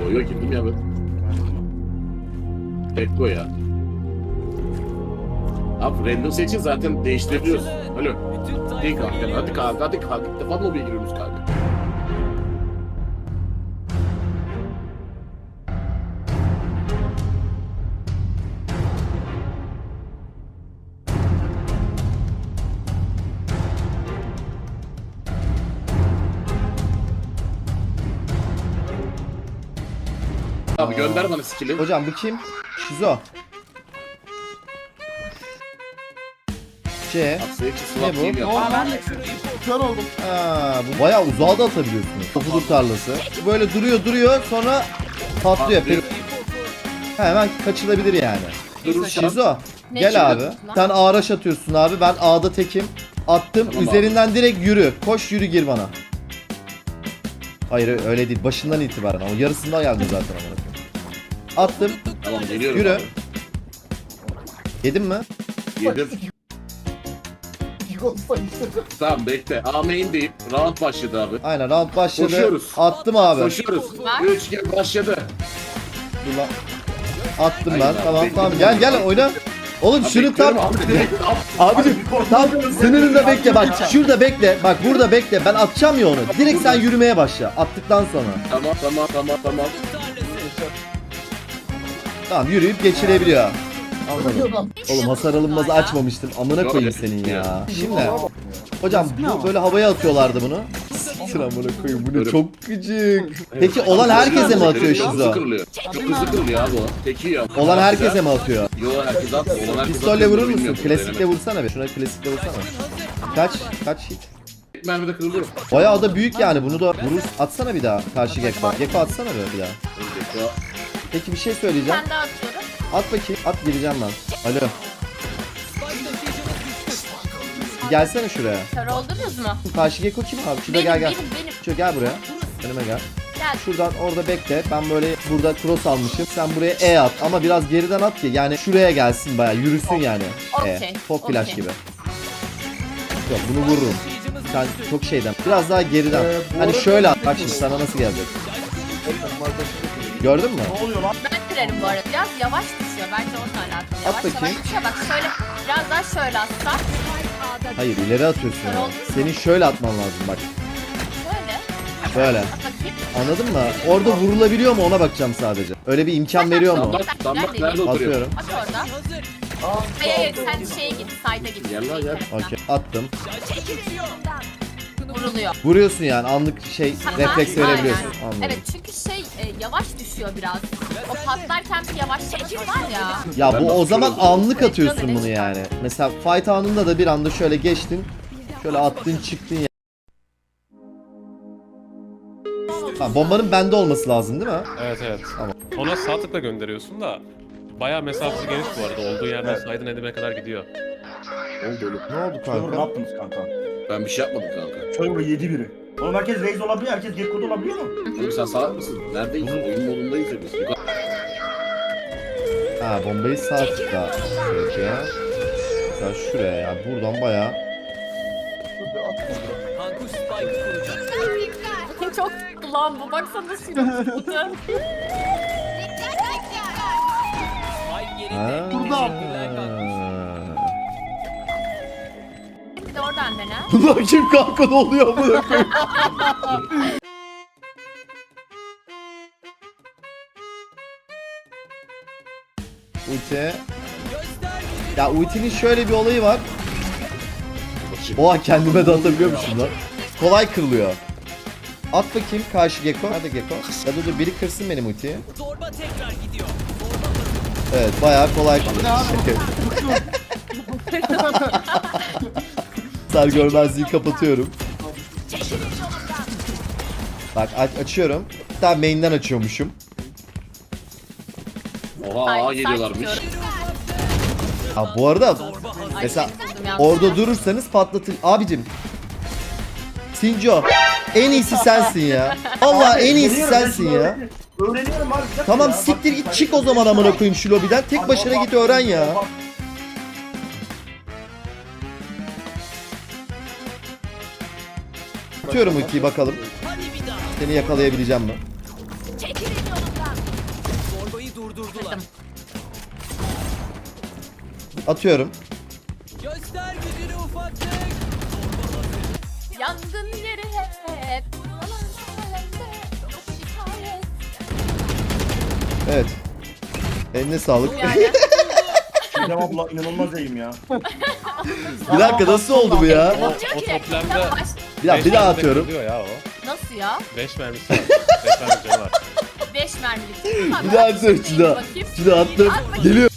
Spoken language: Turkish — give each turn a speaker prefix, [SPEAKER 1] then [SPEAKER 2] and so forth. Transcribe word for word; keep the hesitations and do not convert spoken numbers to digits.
[SPEAKER 1] Yo yo girdim ya ben. Tekko ya. Abi random seçin zaten değiştirebiliyoruz. Alo. Değil kanka. Hadi kanka hadi kanka. İlk defa mobiye giriyoruz kanka. Abi gönder bana skill'i.
[SPEAKER 2] Hocam bu kim? Şizo. C. Ne bu?
[SPEAKER 3] Kör oldum.
[SPEAKER 2] Ha, bu bayağı uzağa da atabiliyorsunuz. Tofudur tarlası. Böyle duruyor duruyor sonra patlıyor.
[SPEAKER 1] Patlıyor.
[SPEAKER 2] Ha, hemen kaçılabilir yani.
[SPEAKER 1] Durursan.
[SPEAKER 2] Şizo
[SPEAKER 4] Ne
[SPEAKER 2] gel
[SPEAKER 4] çıkıyor
[SPEAKER 2] abi.
[SPEAKER 4] lan?
[SPEAKER 2] Sen ağraş atıyorsun abi. Ben A'da tekim. Attım.
[SPEAKER 1] Tamam
[SPEAKER 2] Üzerinden direkt yürü. Koş yürü gir bana. Hayır öyle değil. Başından itibaren. O yarısından geldim zaten ama. Attım.
[SPEAKER 1] Tamam geliyorum.
[SPEAKER 2] Yürü.
[SPEAKER 1] Abi.
[SPEAKER 2] Yedin mi?
[SPEAKER 1] Yedim. Tamam bekle. A main deyip round başladı abi.
[SPEAKER 2] Aynen round başladı.
[SPEAKER 1] Koşuyoruz.
[SPEAKER 2] Attım abi.
[SPEAKER 1] Koşuyoruz.
[SPEAKER 4] Ver.
[SPEAKER 1] üç gel başladı.
[SPEAKER 2] Dur lan. Attım ben.
[SPEAKER 1] Aynen,
[SPEAKER 2] Tamam
[SPEAKER 1] bekle.
[SPEAKER 2] tamam. Gel gel oyna. Oğlum şunu tam
[SPEAKER 1] Bekliyorum abi, direkt at.
[SPEAKER 2] abicim tam sınırında bekle bak. Şurada bekle. Bak burada bekle. Ben atacağım ya onu. Direkt sen yürümeye başla. Attıktan sonra.
[SPEAKER 1] Tamam tamam tamam tamam.
[SPEAKER 2] Tamam yürüyüp geçirebiliyor. Anladım. Oğlum hasar alınmazı açmamıştım. Amına koyayım senin ya. Şimdi hocam bu böyle havaya atıyorlardı bunu. Siktir amına koyayım bu ne çok gıcık. Peki olan herkese mi atıyor
[SPEAKER 1] Çok hızlı
[SPEAKER 2] Şizo?
[SPEAKER 1] kırılıyor. Çok hızlı kırılıyor abi o. Teki ya.
[SPEAKER 2] Olan herkese mi atıyor?
[SPEAKER 1] Yo herkes at. Olan herkes
[SPEAKER 2] Pistolle
[SPEAKER 1] atıyor,
[SPEAKER 2] vurur musun?
[SPEAKER 1] bilmiyorum,
[SPEAKER 2] Klasikle
[SPEAKER 1] denemedim.
[SPEAKER 2] vursana bir. Şuna klasikle vursana. Kaç? Kaç hit?
[SPEAKER 1] Tek mermide kırılıyor.
[SPEAKER 2] Bayağı da büyük yani bunu da vurur. Atsana bir daha karşı Gekko. Gekko atsana bir, bir daha.
[SPEAKER 1] Önceki o.
[SPEAKER 2] Peki bir şey söyleyeceğim.
[SPEAKER 4] Ben de atıyorum.
[SPEAKER 2] At bakayım. At gireceğim ben. Alo. Bir gelsene şuraya.
[SPEAKER 4] Kör oldunuz mu?
[SPEAKER 2] Karşı Gekko kim abi? Şurada
[SPEAKER 4] Benim,
[SPEAKER 2] gel gel.
[SPEAKER 4] benim, benim.
[SPEAKER 2] Şuraya gel buraya. Önüme gel.
[SPEAKER 4] Gel.
[SPEAKER 2] Şuradan orada bekle. Ben böyle burada cross almışım. Sen buraya E at. Ama biraz geriden at ki. Yani şuraya gelsin bayağı. Yürüsün yani. E.
[SPEAKER 4] Okey,
[SPEAKER 2] Top flash
[SPEAKER 4] okey.
[SPEAKER 2] gibi. Yok bunu vururum. Sen çok şeyden. Biraz daha geriden.
[SPEAKER 3] Ee, bu
[SPEAKER 2] Hani
[SPEAKER 3] arada-
[SPEAKER 2] şöyle at. Bak şimdi sana nasıl gelecek. Gördün mü?
[SPEAKER 3] Ne oluyor lan?
[SPEAKER 4] Ben girerim bu arada. Biraz yavaş düşüyor. Bence onunla alakalı. Yavaş
[SPEAKER 2] bakayım.
[SPEAKER 4] yavaş düşüyor. Bak şöyle biraz daha şöyle atsak.
[SPEAKER 2] Hayır ileri atıyorsun ya. Senin şöyle atman lazım bak.
[SPEAKER 4] Şöyle.
[SPEAKER 2] Böyle.
[SPEAKER 4] At bakayım.
[SPEAKER 2] Anladın mı? Orada vurulabiliyor mu ona bakacağım sadece. Öyle bir imkan veriyor mu?
[SPEAKER 1] Damlak, damlak nerede oturuyor?
[SPEAKER 2] Atıyorum.
[SPEAKER 4] At orada. Hayır hayır sen şeye git. Side'a git.
[SPEAKER 1] Gel lan, gel.
[SPEAKER 2] Okey attım.
[SPEAKER 4] Vuruluyor.
[SPEAKER 2] Vuruyorsun yani anlık şey refleks
[SPEAKER 4] Aynen.
[SPEAKER 2] verebiliyorsun. Anladım.
[SPEAKER 4] Evet çünkü şey e, yavaş düşüyor biraz. O patlarken bir yavaşlık var ya.
[SPEAKER 2] Ya
[SPEAKER 1] Ben
[SPEAKER 2] bu
[SPEAKER 1] de
[SPEAKER 2] o zaman
[SPEAKER 1] atıyorum.
[SPEAKER 2] anlık atıyorsun bunu yani. Mesela fight anında da bir anda şöyle geçtin. Şöyle attın çıktın ya. Ha, bombanın bende olması lazım değil mi?
[SPEAKER 5] Evet evet.
[SPEAKER 2] Tamam.
[SPEAKER 5] Ona sağ tıkla gönderiyorsun da bayağı mesafesi geniş bu arada. Olduğu yerden saydın edime kadar gidiyor.
[SPEAKER 1] Oldu oğlum.
[SPEAKER 2] Ne oldu
[SPEAKER 3] Trevor ne
[SPEAKER 2] kanka?
[SPEAKER 3] yaptınız kanka?
[SPEAKER 1] Ben bir şey yapmadım kanka.
[SPEAKER 3] Trevor yedi biri. Oğlum herkes Raze olabiliyor, herkes Gekko'da olabiliyor mu?
[SPEAKER 1] Oğlum sen salak mısın? Neredeyiz? Oyun modundayız ya biz. Yukarı-
[SPEAKER 2] Ha bombayı sağ tıkla. Peki. Mesela şuraya ya buradan bayağı.
[SPEAKER 4] Çok tuttu lan bu. Baksana şunu tuttu.
[SPEAKER 2] Ha.
[SPEAKER 4] Bir de oradan dene.
[SPEAKER 2] Bunlar kim kanka ne oluyor bu? Ulti. Ya ultinin şöyle bir olayı var. Oha kendime de atabiliyormuşum lan. Kolay kırılıyor. At bakayım karşı Gekko. Hadi Gekko. Ya dur dur biri kırsın benim ultiyi. Evet bayağı kolay kırılıyor. Sar görmezliği kapatıyorum. Bak aç açıyorum. Hatta main'den açıyormuşum.
[SPEAKER 1] Oha
[SPEAKER 4] Ay,
[SPEAKER 1] ağa
[SPEAKER 4] sen
[SPEAKER 1] geliyorlarmış.
[SPEAKER 4] çıkıyorum.
[SPEAKER 2] Ha bu arada
[SPEAKER 4] Ay,
[SPEAKER 2] mesela
[SPEAKER 4] seni buldum
[SPEAKER 2] orada
[SPEAKER 4] yalnız.
[SPEAKER 2] durursanız patlatır. Abicim. Sinco en iyisi sensin ya. Allah en iyisi
[SPEAKER 3] Öğreniyorum, ben
[SPEAKER 2] sensin
[SPEAKER 3] şunu
[SPEAKER 2] ya.
[SPEAKER 3] öğreniyorum. Öğreniyorum abi. bir dakika
[SPEAKER 2] Tamam
[SPEAKER 3] ya.
[SPEAKER 2] siktir
[SPEAKER 3] Bak-
[SPEAKER 2] git çık o zaman amına koyayım şu lobiden. Tek başına git öğren ya. Atıyorum ultiyi bakalım. Seni yakalayabileceğim mi?
[SPEAKER 4] Çekilin yolumdan. Kırdım.
[SPEAKER 2] Atıyorum.
[SPEAKER 4] Yangın yeri hep.
[SPEAKER 2] Evet. Eline sağlık.
[SPEAKER 4] Yani.
[SPEAKER 3] Çiğdem abla inanılmaz iyiyim ya.
[SPEAKER 2] Bir dakika nasıl oldu bu ya?
[SPEAKER 5] O,
[SPEAKER 4] Diyor
[SPEAKER 5] o
[SPEAKER 4] ki,
[SPEAKER 5] toplamda
[SPEAKER 4] yavaş.
[SPEAKER 2] Bir daha, bir daha atıyorum.
[SPEAKER 5] Diyor ya o.
[SPEAKER 4] Nasıl ya?
[SPEAKER 5] beş mermisi var. beş mermisi canı var.
[SPEAKER 4] beş mermilik.
[SPEAKER 2] Bir daha atıyorum. Bir daha.
[SPEAKER 4] Bakayım.
[SPEAKER 2] Bir daha attım. Geliyor.